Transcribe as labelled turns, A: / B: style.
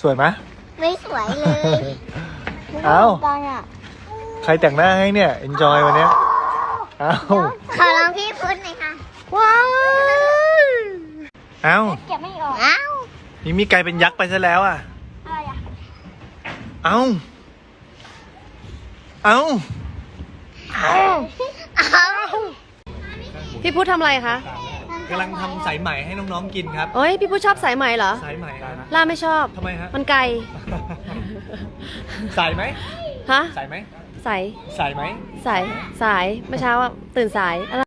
A: สวยไหม
B: ไม่สวยเลย
A: เอ้า
B: กันอ่ะ
A: ใครแต่งหน้าให้เนี่ย enjoy วันเนี้ยเอ้า
B: ขอลองพี่พุทธหน่อยค่ะ
A: ว้าวเอ้า
B: เก็บไม่ออกอ้าว
A: มีกลายเป็นยักษ์ไปซะแล้วอ่ะ
B: อะไรอ่ะ
A: เอ้าเอ้า
C: พี่พุทธทำอะไรคะ
A: กำลังทำสายไหมให้น้องๆกินครับ
C: โอ้ยพี่พุทธชอบสายไหมเหรอ
A: สายไหมนะ
C: ล่าไม่ชอบ
A: ทำไมฮะ
C: มันไกล
A: สายไหม
C: ฮะ
A: สายไหม
C: สาย
A: สายไหม
C: สายเมื่อเช้าอะตื่นสายอะไร